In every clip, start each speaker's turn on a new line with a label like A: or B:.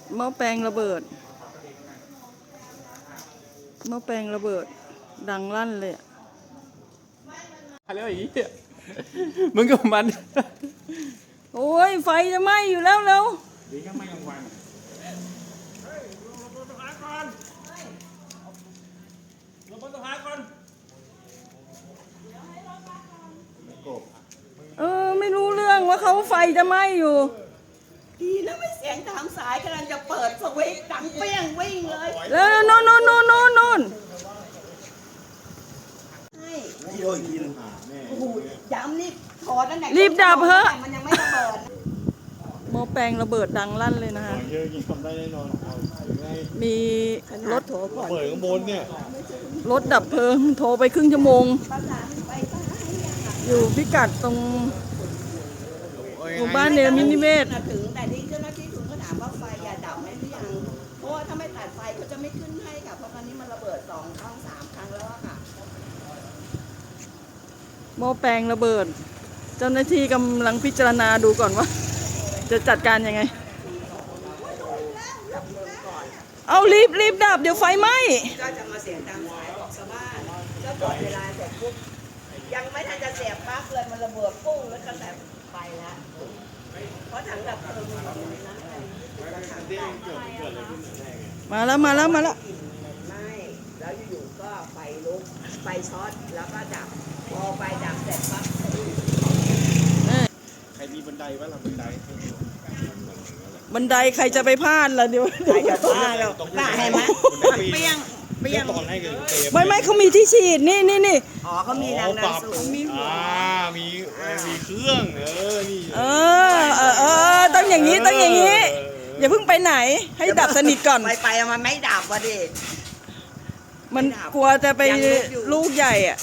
A: หม้อแปลงระเบิดหม้อแปลงระเบิดดังลั่นเลยอะ
B: แล้วไอ้เหี้ยมึงกับมัน
A: โอ้ยไฟจะไหม้อยู่แล้วเร็ว
B: ดีก็ไม่กลางวันลงบนต้นไม้ก่อน
A: ไม่รู้เรื่องว่าเขาไฟจะไหม้อยู่
C: ดีนะไม่เสียงตามสายกำลังจะเปิดสวิตช์ดังเปี้ยงวิ่งเลย
A: แล้วโน่น
C: โอ้โหย้ำนี่ถอดนั่นแหละ
A: รีบดับเถอะ
C: มันยังไม่ระเบิด
A: หม้อแปลงระเบิดดังลั่นเลยนะคะ
B: เยอะยิงทำได้แน่นอน
A: มีรถ
B: เปิดข้างบนเนี่ย
A: รถดับเพลิงโทรไปครึ่งชั่วโมงอยู่พิกัดตรงหมู่บ้านเนรมินิเวศ
C: ถึงแต่ที่เจ้าหน้าที่ถึงก็ถามว่าไฟอย่าดับไหมหรือยังเพราะว่าถ้าไม่ตัดไฟเขาจะไม่ขึ้นให้ค่ะเพราะตอนนี้มันระเบิด2 ครั้ง 3 ครั้งแล้วอะค่ะ
A: หม้อแปลงระเบิดเจ้าหน้าที่กำลังพิจารณาดูก่อนว่าจะจัดการยังไงเอารีบดับเดี๋ยวไฟไหม้
C: ก็จะมาเสียงตามสายบอกชาวบ้านก็กดเวลาเสร็จปุ๊บยังไม่ทันจะเสียบปลั๊กเลยมันระเบิดปุ้งแล้วก็แต่ไปแล้วเพราะถังดับเพลิงมันอยู่ในนั้นไง
A: มาแล้ว
C: ไม่แล้วอยู่ๆก็ไฟลุกไฟช็อตแล้วก็ดับพอไฟดับเสร็จปั๊บ
B: ใครมีบันไดวะล่ะ
A: บันไดใครจะไปพลาดล่ะเดี๋ยว
C: ใครจะพลาดแล้วน่าเห็นไหมเปี้ยง
A: ไม่เขามีที่ฉีดนี่
C: อ๋อเขามีแรงดันสูง
B: มีเครื่องนี่
A: ต้องอย่างนี้อย่าเพิ่งไปไหนให้ดับสนิทก่อน
C: ไปมันไม่ดับวะดิ
A: มันกลัวจะไปลูกใหญ่อ่ะ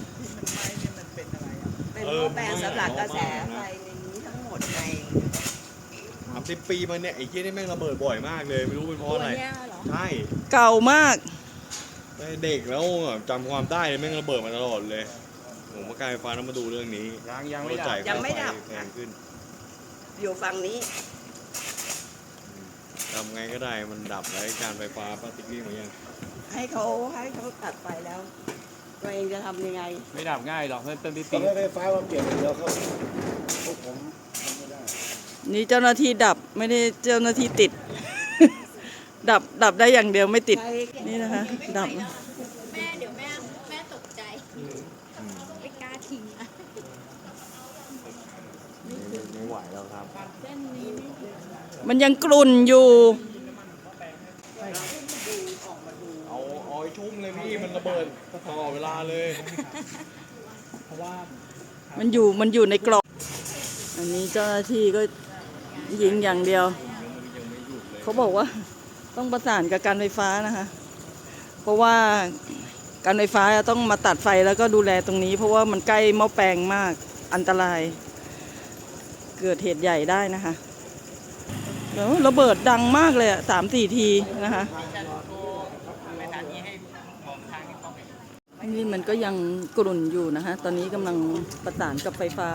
C: เป็นหม้อแปลงสำหรับกระแสไฟในนี้ทั้งหมดไง
B: 30 ปีมาเนี่ยไอ้เหี้ยนี่แม่งระเบิดบ่อยมากเลยไม่รู้เป็นเพราะอะไรใช่
A: เก่ามาก
B: เด็กแล้วจำความได้แม่งระเบิดมาตลอดเลยผมมาการไฟฟ้าต้องมาดูเรื่องนี้
C: ยังไม่ดับ
B: แพงขึ้น
C: อยู่ฝั่งนี้
B: ทำไงก็ได้มันดับแล้วการไฟฟ้าปฏิกิริยาอย่าง
C: ให้เขาตัดไฟแล้วตัวเองจะทำยังไง
B: ไม่ดับง่ายหรอกเพื่อนต้นที่
D: ตีไฟฟ้ามาเปลี่ยนเดียวเขาพวกผมไม่ได้
A: นี่เจ้าหน้าที่ดับไม่ได้เจ้าหน้าที่ติด ดับได้อย่างเดียวไม่ติดนี่นะคะดับ
E: แม่เดี๋ยวแม่ตกใจไม่กล้าทิ้งอะ
B: ไม่ไหวแล้วครับ
A: มันยังกลุ่นอยู่
B: เอาชุ่มเลยพี่มันระเบิดตลอดเวลาเลย
A: เพราะว่ามันอยู่ในกล่องอันนี้เจ้าหน้าที่ก็ยิงอย่างเดียวเขาบอกว่าต้องประสานกับการไฟฟ้านะคะเพราะว่าการไฟฟ้าต้องมาตัดไฟแล้วก็ดูแลตรงนี้เพราะว่ามันใกล้หม้อแปลงมากอันตรายเกิดเหตุใหญ่ได้นะคะแล้วระเบิดดังมากเลยอ่ะ3-4 ทีนะคะนี่มันก็ยังกรุ่นอยู่นะคะตอนนี้กำลังประสานกับไฟฟ้า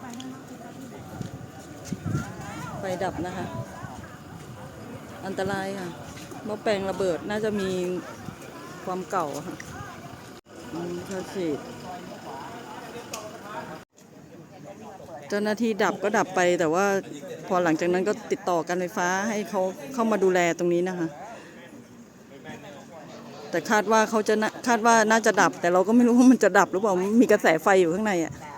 A: ไฟดับนะคะอันตรายค่ะหม้อแปลงระเบิดน่าจะมีความเก่าค่ะฉีดเจ้าหน้าที่ดับก็ดับไปแต่ว่าพอหลังจากนั้นก็ติดต่อการไฟฟ้าให้เขาเข้ามาดูแลตรงนี้นะคะแต่คาดว่าน่าจะดับแต่เราก็ไม่รู้ว่ามันจะดับหรือเปล่ามีกระแสไฟอยู่ข้างในอ่ะ